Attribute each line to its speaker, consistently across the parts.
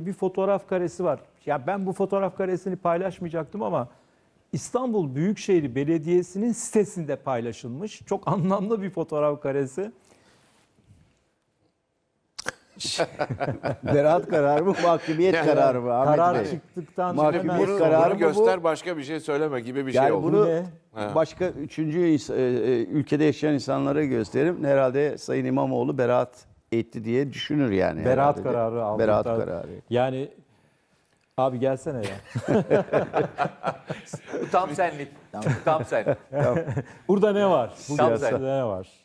Speaker 1: bir fotoğraf karesi var. Ya ben bu fotoğraf karesini paylaşmayacaktım ama İstanbul Büyükşehir Belediyesi'nin sitesinde paylaşılmış. Çok anlamlı bir fotoğraf karesi.
Speaker 2: Beraat kararı mı, mahkumiyet kararı mı Ahmet
Speaker 1: Karar
Speaker 2: Bey?
Speaker 1: çıktıktan
Speaker 2: Mahkumiyet
Speaker 1: hemen
Speaker 3: Bunu,
Speaker 2: kararı
Speaker 3: bunu
Speaker 2: mı
Speaker 3: göster
Speaker 2: bu?
Speaker 3: başka bir şey söyleme gibi bir şey
Speaker 2: Yani
Speaker 3: oldu.
Speaker 2: bunu
Speaker 1: Ne?
Speaker 2: başka üçüncü ülkede yaşayan insanlara gösterim. Herhalde Sayın İmamoğlu beraat etti diye düşünür yani.
Speaker 1: beraat
Speaker 2: herhalde.
Speaker 1: kararı aldı.
Speaker 2: Beraat kararı.
Speaker 1: Yani abi gelsene ya.
Speaker 4: Bu tam senlik. Tam sen.
Speaker 1: Burada ne var? Bu
Speaker 4: Tam
Speaker 1: piyasada
Speaker 4: sen.
Speaker 1: ne var?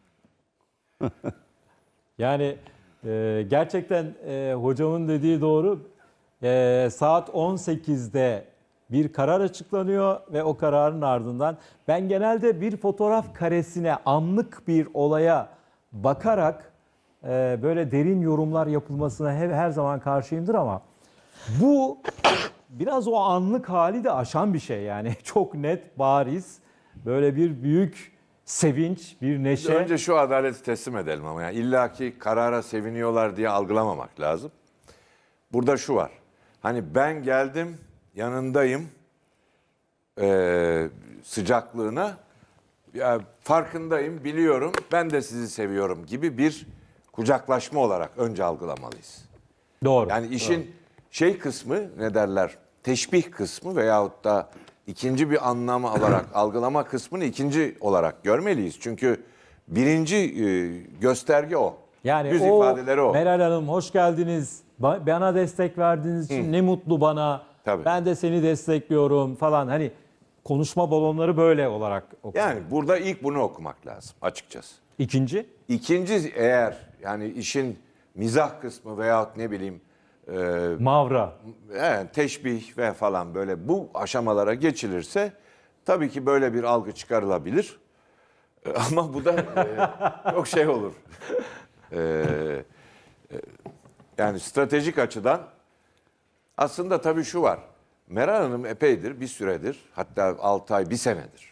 Speaker 1: Yani gerçekten hocamın dediği doğru. Saat 18'de bir karar açıklanıyor ve o kararın ardından ben genelde bir fotoğraf karesine, anlık bir olaya bakarak böyle derin yorumlar yapılmasına her zaman karşıyımdır ama bu biraz o anlık hali de aşan bir şey yani. Çok net, bariz, böyle bir büyük sevinç, bir neşe.
Speaker 3: Önce şu adaleti teslim edelim ama yani illaki karara seviniyorlar diye algılamamak lazım. Burada şu var. Hani ben geldim, yanındayım sıcaklığına, ya farkındayım, biliyorum, ben de sizi seviyorum gibi bir kucaklaşma olarak önce algılamalıyız.
Speaker 1: Doğru.
Speaker 3: Yani işin şey kısmı, ne derler, teşbih kısmı veyahut da ikinci bir anlam olarak algılama kısmını ikinci olarak görmeliyiz. Çünkü birinci gösterge o.
Speaker 1: Yani
Speaker 3: Yüz
Speaker 1: o
Speaker 3: ifadeleri o.
Speaker 1: Meral Hanım hoş geldiniz. Bana destek verdiğiniz için ne mutlu bana.
Speaker 3: Tabii.
Speaker 1: Ben de seni destekliyorum falan. Hani konuşma balonları böyle olarak okuyor.
Speaker 3: Yani burada ilk bunu okumak lazım açıkçası.
Speaker 1: İkinci?
Speaker 3: İkinci, eğer yani işin mizah kısmı veyahut ne bileyim
Speaker 1: Mavra.
Speaker 3: teşbih ve falan böyle bu aşamalara geçilirse tabii ki böyle bir algı çıkarılabilir. Ama bu da çok şey olur. Yani stratejik açıdan aslında tabii şu var. Meral Hanım epeydir, bir süredir, hatta 6 ay, 1 senedir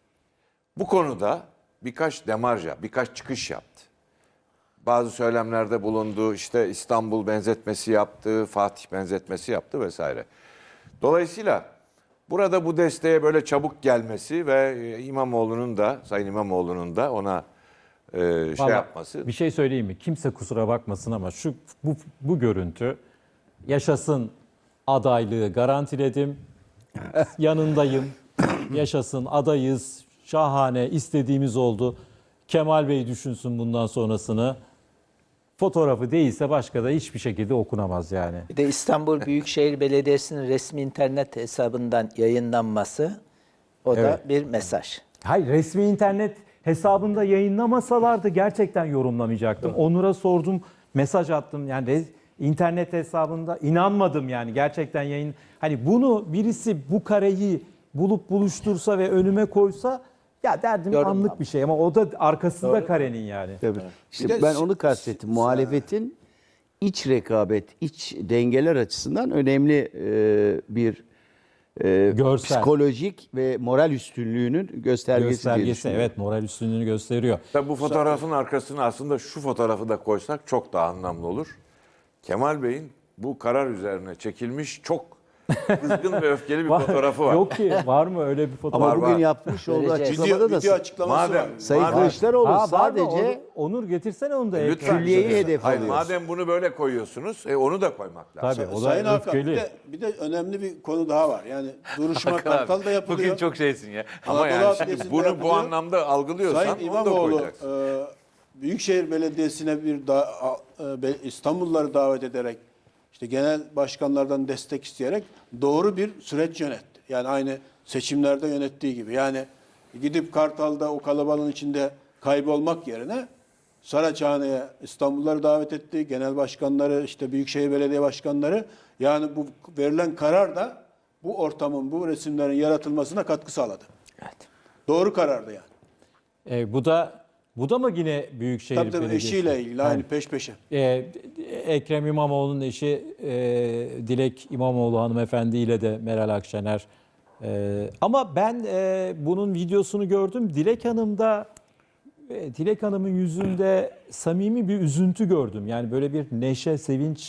Speaker 3: bu konuda birkaç demarja, birkaç çıkış yaptı. Bazı söylemlerde bulundu, işte İstanbul benzetmesi yaptı, Fatih benzetmesi yaptı vesaire. Dolayısıyla burada bu desteğe böyle çabuk gelmesi ve İmamoğlu'nun da, Sayın İmamoğlu'nun da ona şey
Speaker 1: Vallahi
Speaker 3: yapması.
Speaker 1: Bir şey söyleyeyim mi? Kimse kusura bakmasın ama bu görüntü yaşasın, adaylığı garantiledim. Yanındayım. Yaşasın, adayız. Şahane, istediğimiz oldu. Kemal Bey düşünsün bundan sonrasını. Fotoğrafı değilse başka da hiçbir şekilde okunamaz yani.
Speaker 5: Bir de İstanbul Büyükşehir Belediyesi'nin resmi internet hesabından yayınlanması o da bir mesaj.
Speaker 1: Hayır, resmi internet hesabında yayınlamasalardı gerçekten yorumlamayacaktım. Onur'a sordum, mesaj attım. Yani internet hesabında inanmadım yani gerçekten yayın. Hani bunu birisi bu kareyi bulup buluştursa ve önüme koysa ya derdim
Speaker 5: Yorumlam.
Speaker 1: anlık bir şey ama o da arkasında karenin yani.
Speaker 2: Tabii. İşte
Speaker 6: Bir de
Speaker 2: ben onu kastettim. Muhalefetin iç rekabet, iç dengeler açısından önemli bir
Speaker 1: Görsel.
Speaker 2: psikolojik ve moral üstünlüğünün göstergesi, diye
Speaker 1: Göstergesi,
Speaker 2: düşünüyorum.
Speaker 1: evet, moral üstünlüğünü gösteriyor.
Speaker 3: Tabii bu fotoğrafın arkasına aslında şu fotoğrafı da koysak çok daha anlamlı olur. Kemal Bey'in bu karar üzerine çekilmiş çok kızgın ve öfkeli bir fotoğrafı var.
Speaker 1: Yok ki, var mı öyle bir fotoğraf?
Speaker 2: Ama bugün
Speaker 3: var.
Speaker 2: yapmış olduğu
Speaker 5: Göreceğiz.
Speaker 2: açıklamada da
Speaker 6: Video açıklaması
Speaker 3: Madem-
Speaker 6: var.
Speaker 2: Sayın
Speaker 3: Madem-
Speaker 2: Kılıçdaroğlu
Speaker 1: Ha, var mı?
Speaker 2: sadece
Speaker 1: Onur getirsene onu da.
Speaker 3: Lütfen.
Speaker 1: ekran.
Speaker 2: külliyeyi
Speaker 3: Hayır,
Speaker 2: hedef alıyoruz.
Speaker 3: madem bunu böyle koyuyorsunuz, onu da koymak lazım.
Speaker 1: Tabii, o da
Speaker 6: Sayın Hakan
Speaker 1: öfkeli.
Speaker 6: bir de önemli bir konu daha var. Yani duruşma
Speaker 4: Hakan abi,
Speaker 6: Kartal'da yapılıyor.
Speaker 4: Bugün çok şeysin ya.
Speaker 3: Ama
Speaker 6: Anadolu
Speaker 3: yani şimdi
Speaker 6: Adliyesi'nde
Speaker 3: bunu bu
Speaker 6: yapılıyor.
Speaker 3: anlamda algılıyorsan
Speaker 6: Sayın
Speaker 3: onu da
Speaker 6: İmamoğlu
Speaker 3: koyacaksın.
Speaker 6: Büyükşehir Belediyesi'ne İstanbulluları davet ederek işte genel başkanlardan destek isteyerek doğru bir süreç yönetti. Yani aynı seçimlerde yönettiği gibi. Yani gidip Kartal'da o kalabalığın içinde kaybolmak yerine Saraçhane'ye İstanbulluları davet etti. Genel başkanları, işte Büyükşehir Belediye başkanları. Yani bu verilen karar da bu ortamın, bu resimlerin yaratılmasına katkı sağladı.
Speaker 5: Evet.
Speaker 6: Doğru karardı yani.
Speaker 1: Bu da mı yine Büyükşehir
Speaker 6: Tabii
Speaker 1: Belediyesi?
Speaker 6: eşiyle ilgili aynı peş peşe.
Speaker 1: Ekrem İmamoğlu'nun eşi Dilek İmamoğlu hanımefendi ile de Meral Akşener. Ama ben bunun videosunu gördüm. Dilek Hanım'ın yüzünde samimi bir üzüntü gördüm. Yani böyle bir neşe, sevinç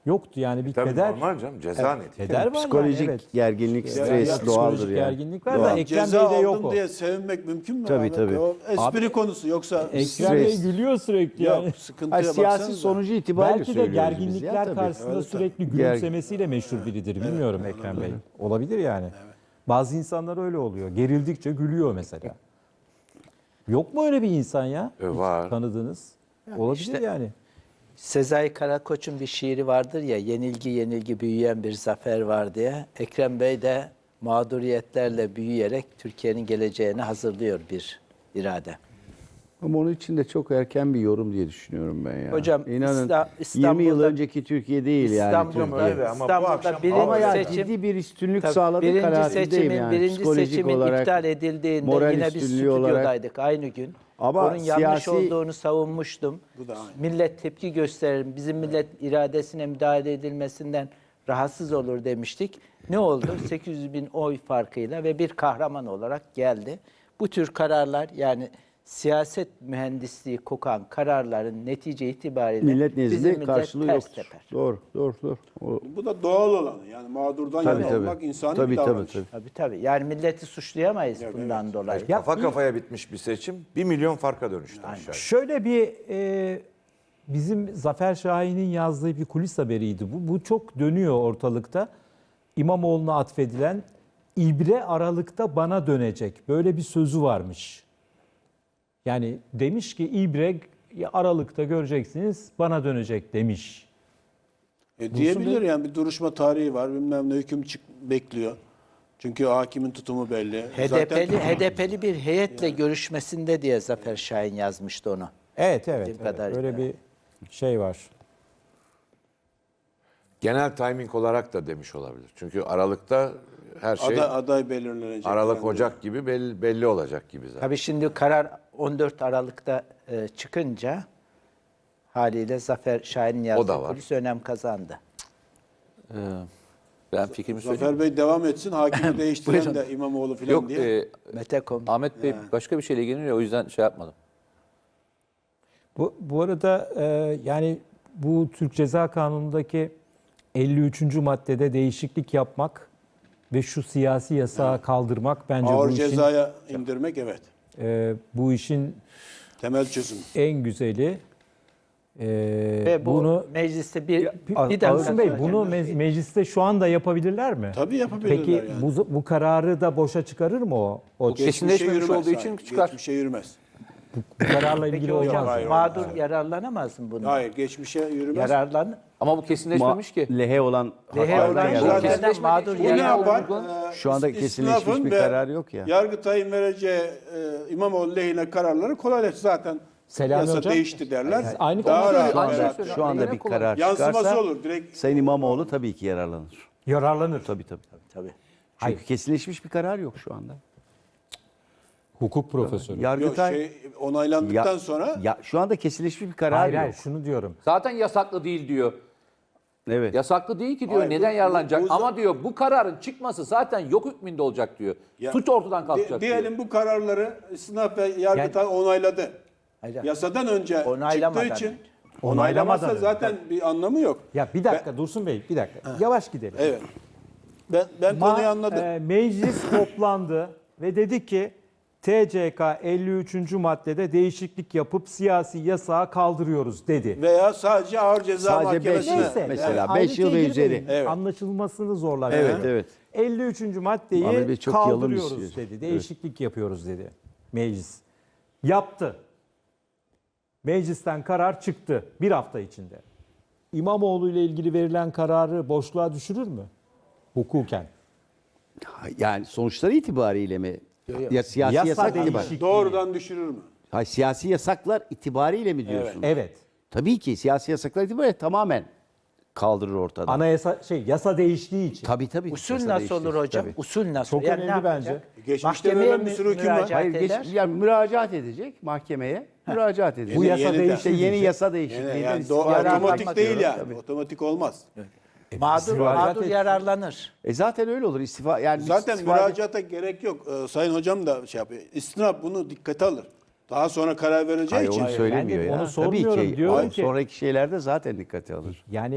Speaker 1: yoktu yani bir
Speaker 3: Tabii
Speaker 1: keder.
Speaker 3: normal canım, ceza neticesi.
Speaker 1: Keder var
Speaker 2: Psikolojik
Speaker 1: yani, evet.
Speaker 2: gerginlik, stres
Speaker 6: ya,
Speaker 2: doğaldır
Speaker 1: Psikolojik
Speaker 2: yani.
Speaker 1: gerginlik var
Speaker 2: Doğal.
Speaker 1: da Ekrem
Speaker 6: Ceza
Speaker 1: Bey'de yok
Speaker 6: aldın
Speaker 1: o.
Speaker 6: diye sevinmek mümkün mü?
Speaker 2: Tabii,
Speaker 6: Ahmet
Speaker 2: tabii.
Speaker 6: Bey? O espri
Speaker 1: Abi,
Speaker 6: konusu yoksa
Speaker 1: Ekrem Bey
Speaker 2: Stres.
Speaker 1: gülüyor sürekli yani.
Speaker 6: yok sıkıntıya
Speaker 2: Hayır, siyasi
Speaker 6: baksanıza.
Speaker 2: sonucu itibariyle
Speaker 1: Belki de
Speaker 2: söylüyoruz biz ya,
Speaker 1: gerginlikler
Speaker 2: tabii.
Speaker 1: karşısında
Speaker 6: Evet,
Speaker 1: sürekli
Speaker 2: tabii.
Speaker 1: gülümsemesiyle meşhur biridir. Bilmiyorum Ekrem Bey. Olabilir yani. Bazı insanlar öyle oluyor. Gerildikçe gülüyor mesela. Yok mu öyle bir insan ya?
Speaker 3: Var.
Speaker 1: Tanıdığınız. Olabilir
Speaker 5: işte-
Speaker 1: yani.
Speaker 5: Sezai Karakoç'un bir şiiri vardır ya, yenilgi yenilgi büyüyen bir zafer var diye. Ekrem Bey de mağduriyetlerle büyüyerek Türkiye'nin geleceğini hazırlıyor bir irade.
Speaker 2: Ama onun için de çok erken bir yorum diye düşünüyorum ben ya.
Speaker 5: Hocam,
Speaker 2: İnanın 20 yıl
Speaker 5: İstanbul'da-
Speaker 2: önceki Türkiye değil yani.
Speaker 5: İstanbul'da,
Speaker 2: Türkiye.
Speaker 3: ama bu
Speaker 5: İstanbul'da
Speaker 3: akşam-
Speaker 5: birinci
Speaker 2: Ama ya
Speaker 5: seçim,
Speaker 2: ciddi bir üstünlük
Speaker 5: tabii
Speaker 2: sağladığı
Speaker 5: birinci
Speaker 2: kanaatindeyim
Speaker 5: seçimin,
Speaker 2: yani.
Speaker 5: birinci
Speaker 2: Psikolojik
Speaker 5: seçimin
Speaker 2: olarak,
Speaker 5: iptal edildiğinde
Speaker 2: moral
Speaker 5: yine biz
Speaker 2: üstünlüğü olarak.
Speaker 5: stüdyodaydık aynı gün.
Speaker 2: Ama
Speaker 5: Onun yanlış
Speaker 2: siyasi-
Speaker 5: olduğunu savunmuştum.
Speaker 6: Bu da aynı.
Speaker 5: Millet tepki gösterir, bizim millet iradesine müdahale edilmesinden rahatsız olur demiştik. Ne oldu? 800 bin oy farkıyla ve bir kahraman olarak geldi. Bu tür kararlar, yani siyaset mühendisliği kokan kararların netice itibariyle
Speaker 2: millet
Speaker 5: bizim
Speaker 2: nezdinde
Speaker 5: millet
Speaker 2: karşılığı
Speaker 5: ters
Speaker 2: yoktur.
Speaker 5: teper.
Speaker 2: Doğru.
Speaker 6: Bu da doğal olanı. Yani mağdurdan
Speaker 2: Tabii,
Speaker 6: yana
Speaker 2: tabii.
Speaker 6: olmak insani
Speaker 2: Tabii,
Speaker 6: bir
Speaker 2: tabii,
Speaker 6: davranış.
Speaker 2: tabii.
Speaker 5: Tabii. Yani milleti suçlayamayız bundan dolayı.
Speaker 1: Ya
Speaker 3: Kafa kafaya bitmiş bir seçim 1 milyon farka dönüştü aşağı.
Speaker 1: şöyle bir bizim Zafer Şahin'in yazdığı bir kulis haberiydi bu. Bu çok dönüyor ortalıkta. İmamoğlu'na atfedilen ibre aralıkta bana dönecek. Böyle bir sözü varmış. Yani demiş ki ibre aralıkta göreceksiniz bana dönecek demiş.
Speaker 6: Diyebilir yani bir duruşma tarihi var. Bilmem ne hüküm bekliyor. Çünkü hakimin tutumu belli.
Speaker 5: HDP'li bir heyetle görüşmesinde diye Zafer Şahin yazmıştı onu.
Speaker 1: Evet,
Speaker 5: Bildiğim kadarıyla.
Speaker 1: öyle bir şey var.
Speaker 3: Genel timing olarak da demiş olabilir. Çünkü Aralık'ta her şey
Speaker 6: Aday belirlenecek.
Speaker 3: Aralık,
Speaker 6: Yani.
Speaker 3: Ocak gibi belli olacak gibi zaten.
Speaker 5: Tabii şimdi karar 14 Aralık'ta çıkınca haliyle Zafer Şahin'in
Speaker 3: O da
Speaker 5: yazdığı
Speaker 3: var.
Speaker 5: polis önem kazandı.
Speaker 4: Ben fikrimi söyleyeyim.
Speaker 6: Zafer Bey devam etsin. Hakimi değiştiren
Speaker 4: Buyurun.
Speaker 6: de İmamoğlu falan
Speaker 4: Yok,
Speaker 6: diye.
Speaker 5: Metekom.
Speaker 4: Ahmet Bey başka bir şeyle ilgileniyor, o yüzden şey yapmadım.
Speaker 1: Bu arada yani bu Türk Ceza Kanunu'ndaki 53. maddede değişiklik yapmak ve şu siyasi yasağı kaldırmak bence
Speaker 6: Ağır
Speaker 1: bu işin
Speaker 6: cezaya indirmek evet.
Speaker 1: Bu işin
Speaker 6: Temel çözüm.
Speaker 1: en güzeli.
Speaker 5: Ve bu
Speaker 1: bunu
Speaker 5: mecliste bir
Speaker 1: Ağustos
Speaker 5: dakika
Speaker 1: Bey
Speaker 5: söyleyeyim.
Speaker 1: bunu mecliste şu anda yapabilirler mi?
Speaker 6: Tabii yapabilirler
Speaker 1: Peki
Speaker 6: yani.
Speaker 1: bu kararı da boşa çıkarır mı o? O
Speaker 4: kesinleşmemiş
Speaker 6: Geçmişe
Speaker 4: olduğu
Speaker 6: yürümez,
Speaker 4: için
Speaker 6: hayır.
Speaker 4: çıkar.
Speaker 6: Geçmişe yürümez.
Speaker 1: bu kararla ilgili
Speaker 5: Peki
Speaker 1: olmaz.
Speaker 5: hocam
Speaker 6: hayır,
Speaker 5: mağdur
Speaker 6: hayır.
Speaker 5: yararlanamaz mı bundan?
Speaker 6: Hayır geçmişe yürümez.
Speaker 5: Yararlan.
Speaker 4: Ama bu kesinleşmemiş ki.
Speaker 2: Lehe olan
Speaker 5: Lehe
Speaker 2: haklardan
Speaker 5: olan
Speaker 2: yararlanıyor.
Speaker 6: zaten-
Speaker 5: şeylerden mağdur
Speaker 6: Bu ne
Speaker 5: yararlan.
Speaker 6: yapar?
Speaker 2: Şu anda kesinleşmiş
Speaker 6: İstinafın
Speaker 2: bir
Speaker 6: ve
Speaker 2: karar yok ya.
Speaker 6: Yargıtay'ın vereceği İmamoğlu lehine kararları kolaylaştır. Zaten
Speaker 1: Selami
Speaker 6: yasa
Speaker 1: Hocam,
Speaker 6: değişti derler.
Speaker 1: aynı
Speaker 6: Daha
Speaker 1: konu
Speaker 6: rahat.
Speaker 2: Şu anda,
Speaker 4: Aynen söylüyorum.
Speaker 2: şu anda
Speaker 4: Yine
Speaker 2: bir
Speaker 4: kolay.
Speaker 2: karar
Speaker 6: Yansıması
Speaker 2: çıkarsa
Speaker 6: olur direkt.
Speaker 2: Sayın İmamoğlu tabii ki yararlanır.
Speaker 1: yararlanır.
Speaker 2: Tabii.
Speaker 5: Tabii.
Speaker 2: Çünkü kesinleşmiş bir karar yok şu anda.
Speaker 1: Hukuk profesörü.
Speaker 2: Yargıtay
Speaker 6: Onaylandıktan sonra
Speaker 2: şu anda kesinleşmiş bir karar
Speaker 1: Hayır,
Speaker 2: yok.
Speaker 1: hayır, şunu diyorum.
Speaker 4: Zaten yasaklı değil diyor.
Speaker 2: Evet.
Speaker 4: Yasaklı değil ki diyor.
Speaker 6: Hayır,
Speaker 4: Neden
Speaker 6: bu-
Speaker 4: yararlanacak?
Speaker 6: bu-
Speaker 4: Ama diyor bu kararın çıkması zaten yok hükmünde olacak diyor.
Speaker 6: Ya,
Speaker 4: Suç ortadan kalkacak diyor.
Speaker 6: diyelim bu kararları İstinaf ve Yargıtay onayladı.
Speaker 5: Hayır.
Speaker 6: Yasadan önce
Speaker 5: Onaylamadan
Speaker 6: çıktığı için
Speaker 5: önce.
Speaker 6: onaylamazsa
Speaker 1: Onaylamadan
Speaker 6: zaten bir anlamı yok.
Speaker 1: Ya bir dakika Dursun Bey, bir dakika. Yavaş gidelim.
Speaker 6: Evet. Ben konuyu anladım.
Speaker 1: Meclis toplandı ve dedi ki TCK 53. maddede değişiklik yapıp siyasi yasağı kaldırıyoruz dedi.
Speaker 6: Veya sadece ağır ceza
Speaker 2: Sadece beş
Speaker 6: mahkemesine.
Speaker 2: yıl.
Speaker 1: Neyse.
Speaker 2: Mesela
Speaker 1: yani
Speaker 2: 5 yıl ve
Speaker 1: ayrıntıya
Speaker 2: üzeri.
Speaker 1: girmeyin.
Speaker 6: Evet.
Speaker 1: Anlaşılmasını zorlar.
Speaker 2: Evet,
Speaker 1: yani.
Speaker 2: evet.
Speaker 1: 53.
Speaker 2: Ahmet Bey
Speaker 1: maddeyi
Speaker 2: çok yalın
Speaker 1: kaldırıyoruz
Speaker 2: istiyor.
Speaker 1: dedi. Değişiklik yapıyoruz dedi meclis. Yaptı. Meclisten karar çıktı bir hafta içinde. İmamoğlu ile ilgili verilen kararı boşluğa düşürür mü? Hukuken.
Speaker 2: Yani sonuçları itibariyle mi? Ya siyasi
Speaker 1: Yasa
Speaker 2: yasak itibariyle.
Speaker 1: değişikliği.
Speaker 6: Doğrudan düşürür mü?
Speaker 2: Hayır, siyasi yasaklar itibariyle mi diyorsunuz?
Speaker 1: Evet.
Speaker 2: Tabii ki siyasi yasaklar itibariyle tamamen kaldırır ortadan.
Speaker 1: Anayasa yasa değiştiği için.
Speaker 2: Tabii.
Speaker 5: Usul
Speaker 2: Yasa
Speaker 5: nasıl
Speaker 2: değiştirir,
Speaker 5: olur hocam?
Speaker 2: tabii.
Speaker 5: Usul nasıl?
Speaker 1: Çok
Speaker 5: Yani
Speaker 1: önemli
Speaker 5: ne yapacak?
Speaker 1: bence.
Speaker 6: Geçmişte
Speaker 5: Mahkemeye
Speaker 6: verilen bir sürü hüküm var.
Speaker 5: müracaat
Speaker 2: Hayır,
Speaker 5: eder.
Speaker 2: yani müracaat edecek mahkemeye. Müracaat edecek.
Speaker 1: Bu yasa
Speaker 6: yeniden.
Speaker 1: değişti.
Speaker 2: İşte yeni yasa
Speaker 6: Yani,
Speaker 2: değişikliğinden
Speaker 6: otomatik değil yani.
Speaker 2: Tabii.
Speaker 6: Otomatik olmaz.
Speaker 5: Mağdur yararlanır.
Speaker 2: Zaten öyle olur. İstifa yani
Speaker 6: Zaten
Speaker 2: istifade-
Speaker 6: müracaata gerek yok. Sayın hocam da şey yapıyor. İstinaf bunu dikkate alır. Daha sonra karar vereceği
Speaker 2: Hayır,
Speaker 6: için.
Speaker 2: onu söylemiyor
Speaker 1: ben de
Speaker 2: ya.
Speaker 1: onu
Speaker 2: Tabii
Speaker 1: sormuyorum.
Speaker 2: ki.
Speaker 1: Diyorum
Speaker 2: Hayır,
Speaker 1: ki-
Speaker 2: sonraki şeylerde zaten dikkate alır.
Speaker 1: Yani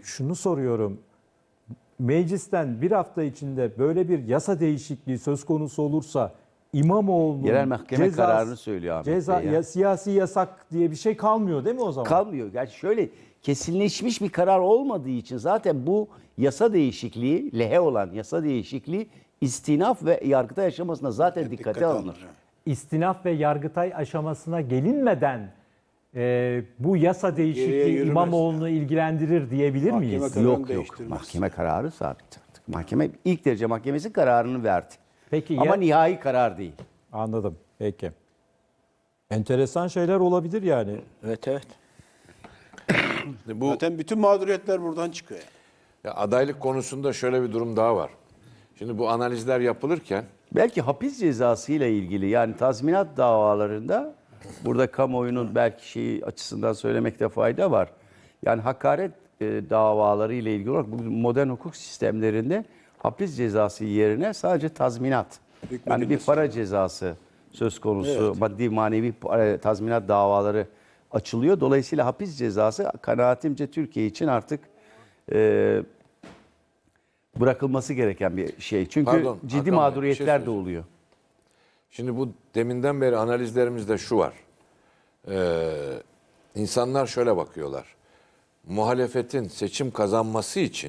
Speaker 1: şunu soruyorum. Meclisten bir hafta içinde böyle bir yasa değişikliği söz konusu olursa İmamoğlu'nun
Speaker 2: Yerel mahkeme kararını söylüyor Ahmet
Speaker 1: ceza,
Speaker 2: Bey ya.
Speaker 1: siyasi yasak diye bir şey kalmıyor değil mi o zaman?
Speaker 2: Kalmıyor. Yani şöyle kesinleşmiş bir karar olmadığı için zaten bu yasa değişikliği, lehe olan yasa değişikliği istinaf ve Yargıtay aşamasında zaten dikkate alınır.
Speaker 1: İstinaf ve Yargıtay aşamasına gelinmeden bu yasa
Speaker 6: Geriye
Speaker 1: değişikliği
Speaker 6: yürümez.
Speaker 1: İmamoğlu'nu ilgilendirir diyebilir
Speaker 6: Mahkeme
Speaker 1: miyiz?
Speaker 6: kararı
Speaker 2: Yok yok.
Speaker 6: değiştirmez.
Speaker 2: Mahkeme kararı sabit artık. Mahkeme ilk derece mahkemesi kararını verdi.
Speaker 1: Peki
Speaker 2: Ama
Speaker 1: ya,
Speaker 2: nihai karar değil.
Speaker 1: anladım. Peki. Enteresan şeyler olabilir yani.
Speaker 5: Evet evet.
Speaker 3: Bu
Speaker 6: Zaten bütün mağduriyetler buradan çıkıyor.
Speaker 3: ya adaylık konusunda şöyle bir durum daha var. Şimdi bu analizler yapılırken
Speaker 2: Belki hapis cezası ile ilgili yani tazminat davalarında burada kamuoyunun belki şeyi açısından söylemekte fayda var. Yani hakaret davaları ile ilgili olarak bu modern hukuk sistemlerinde hapis cezası yerine sadece tazminat. Yani bir para cezası söz konusu, maddi manevi tazminat davaları açılıyor. Dolayısıyla hapis cezası kanaatimce Türkiye için artık bırakılması gereken bir şey. Çünkü
Speaker 3: Pardon,
Speaker 2: ciddi
Speaker 3: Hakan Bey,
Speaker 2: mağduriyetler
Speaker 3: bir şey
Speaker 2: de
Speaker 3: söyleyeceğim.
Speaker 2: oluyor.
Speaker 3: Şimdi bu deminden beri analizlerimizde şu var. İnsanlar şöyle bakıyorlar. Muhalefetin seçim kazanması için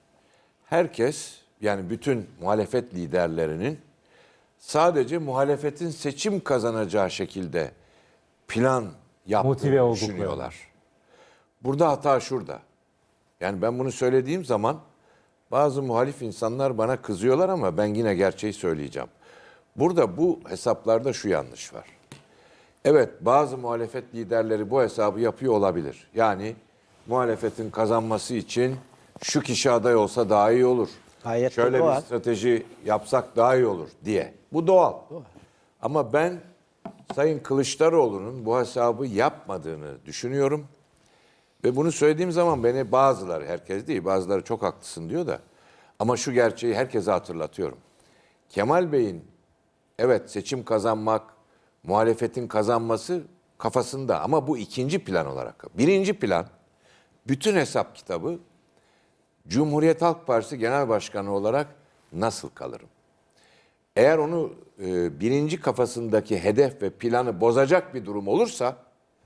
Speaker 3: herkes yani bütün muhalefet liderlerinin sadece muhalefetin seçim kazanacağı şekilde plan
Speaker 1: Motive
Speaker 3: yaptığını
Speaker 1: oldukları.
Speaker 3: düşünüyorlar. Burada hata şurada. Yani ben bunu söylediğim zaman bazı muhalif insanlar bana kızıyorlar ama ben yine gerçeği söyleyeceğim. Burada bu hesaplarda şu yanlış var. Evet, bazı muhalefet liderleri bu hesabı yapıyor olabilir. Yani muhalefetin kazanması için şu kişi aday olsa daha iyi olur.
Speaker 5: Gayet de
Speaker 3: Şöyle
Speaker 5: doğal.
Speaker 3: bir strateji yapsak daha iyi olur diye. Bu doğal. Ama ben Sayın Kılıçdaroğlu'nun bu hesabı yapmadığını düşünüyorum. Ve bunu söylediğim zaman beni bazıları, herkes değil, bazıları çok haklısın diyor da. Ama şu gerçeği herkese hatırlatıyorum. Kemal Bey'in evet seçim kazanmak, muhalefetin kazanması kafasında ama bu ikinci plan olarak. Birinci plan, bütün hesap kitabı Cumhuriyet Halk Partisi Genel Başkanı olarak nasıl kalırım? Eğer onu birinci kafasındaki hedef ve planı bozacak bir durum olursa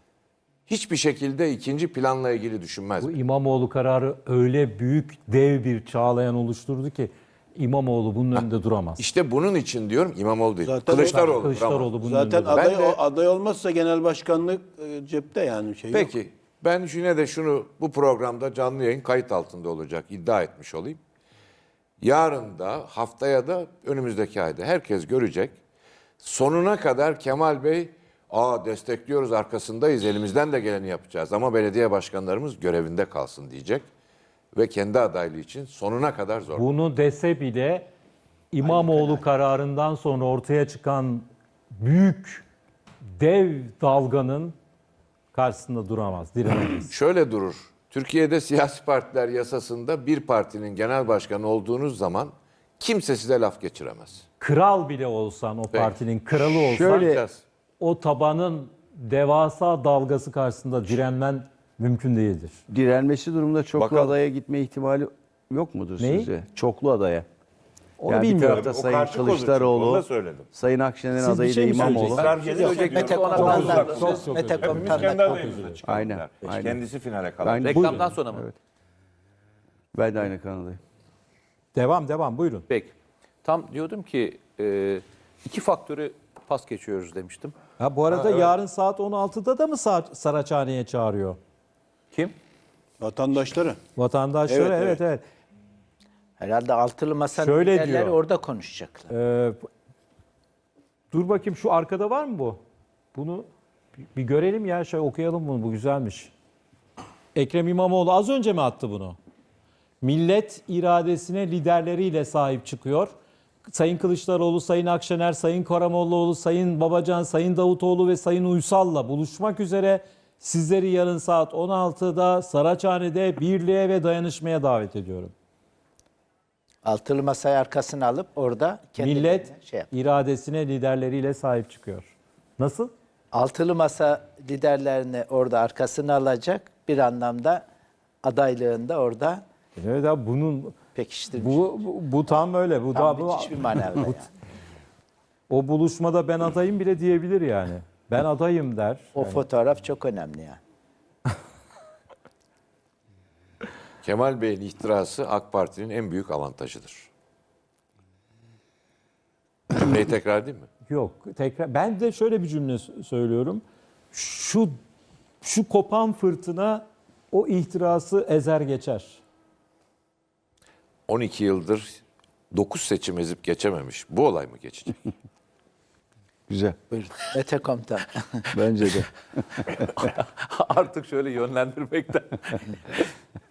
Speaker 3: hiçbir şekilde ikinci planla ilgili düşünmez.
Speaker 1: Bu İmamoğlu kararı öyle büyük, dev bir çağlayan oluşturdu ki İmamoğlu bunun önünde duramaz.
Speaker 3: İşte bunun için diyorum İmamoğlu değil.
Speaker 6: Zaten
Speaker 3: Kılıçdaroğlu. duramaz.
Speaker 1: Kılıçdaroğlu bunun
Speaker 6: Zaten
Speaker 1: önünde duramaz.
Speaker 6: aday olmazsa genel başkanlık cepte yani şey yok.
Speaker 3: Peki ben yine de şunu bu programda canlı yayın kayıt altında olacak iddia etmiş olayım. Yarın da haftaya da önümüzdeki ayda herkes görecek. Sonuna kadar Kemal Bey destekliyoruz arkasındayız elimizden de geleni yapacağız ama belediye başkanlarımız görevinde kalsın diyecek. Ve kendi adaylığı için sonuna kadar zor.
Speaker 1: Bunu dese bile İmamoğlu kararından sonra ortaya çıkan büyük, dev dalganın karşısında duramaz, direnemez.
Speaker 3: Şöyle durur. Türkiye'de siyasi partiler yasasında bir partinin genel başkanı olduğunuz zaman kimse size laf geçiremez.
Speaker 1: Kral bile olsan, o partinin kralı olsan,
Speaker 2: Şöyle-
Speaker 1: o tabanın devasa dalgası karşısında direnmen mümkün değildir.
Speaker 2: Direnmesi durumunda çoklu
Speaker 3: Bakalım.
Speaker 2: adaya gitme ihtimali yok mudur
Speaker 1: Neyi?
Speaker 2: sizce? Çoklu adaya.
Speaker 1: Onu
Speaker 2: Yani bir
Speaker 1: bilmiyorum.
Speaker 2: tarafta
Speaker 3: O
Speaker 2: Sayın
Speaker 3: karşı pozisyon, onu
Speaker 2: Kılıçdaroğlu,
Speaker 3: da söyledim.
Speaker 2: Sayın Akşener'in
Speaker 1: Siz bir
Speaker 2: adayı
Speaker 1: şey
Speaker 2: da
Speaker 1: mi
Speaker 2: İmamoğlu.
Speaker 1: söyleyeceksiniz?
Speaker 5: Mete
Speaker 1: Çok
Speaker 5: Komutan'dan
Speaker 1: uzak,
Speaker 5: söz.
Speaker 1: çok
Speaker 5: Mete
Speaker 1: uzak.
Speaker 5: Komutan'dan
Speaker 3: kendi adayımızla çıkalım.
Speaker 2: Aynen,
Speaker 3: der.
Speaker 2: aynen.
Speaker 3: Kendisi finale kalır.
Speaker 2: Aynen.
Speaker 4: Reklamdan sonra mı?
Speaker 2: Evet. Ben de aynı kanaldayım.
Speaker 1: Devam, buyurun.
Speaker 4: Peki. Tam diyordum ki iki faktörü pas geçiyoruz demiştim.
Speaker 1: Ha, bu arada yarın saat 16'da da mı Saraçhane'ye çağırıyor?
Speaker 4: Kim?
Speaker 6: Vatandaşları.
Speaker 1: Vatandaşları
Speaker 6: Evet,
Speaker 1: evet.
Speaker 5: Herhalde altılı masa
Speaker 1: Şöyle
Speaker 5: liderleri
Speaker 1: diyor.
Speaker 5: orada konuşacaklar.
Speaker 1: Dur bakayım şu arkada var mı bu? Bunu bir görelim ya, okuyalım bunu, bu güzelmiş. Ekrem İmamoğlu az önce mi attı bunu? Millet iradesine liderleriyle sahip çıkıyor. Sayın Kılıçdaroğlu, Sayın Akşener, Sayın Karamollaoğlu, Sayın Babacan, Sayın Davutoğlu ve Sayın Uysal'la buluşmak üzere sizleri yarın saat 16'da Saraçhane'de birliğe ve dayanışmaya davet ediyorum.
Speaker 5: Altılı masayı arkasına alıp orada
Speaker 1: Millet
Speaker 5: şey yap.
Speaker 1: iradesine liderleriyle sahip çıkıyor. Nasıl?
Speaker 5: Altılı masa liderlerini orada arkasına alacak, bir anlamda adaylığında orada
Speaker 1: Evet abi bunun
Speaker 5: pekiştirmiş.
Speaker 1: bu tam öyle. Bu
Speaker 5: Tam
Speaker 1: da
Speaker 5: müthiş bir manevra yani.
Speaker 1: o buluşmada ben adayım bile diyebilir yani. Ben adayım der.
Speaker 5: O fotoğraf çok önemli yani.
Speaker 3: Kemal Bey'in ihtirası AK Parti'nin en büyük avantajıdır. Cümleyi tekrar edeyim mi?
Speaker 1: Yok tekrar ben de şöyle bir cümle söylüyorum. Şu kopan fırtına o ihtirası ezer geçer.
Speaker 3: 12 yıldır 9 seçim ezip geçememiş. Bu olay mı geçecek?
Speaker 2: Güzel.
Speaker 5: Buyurun. Mete Komutan.
Speaker 2: Bence de.
Speaker 4: Artık şöyle yönlendirmekten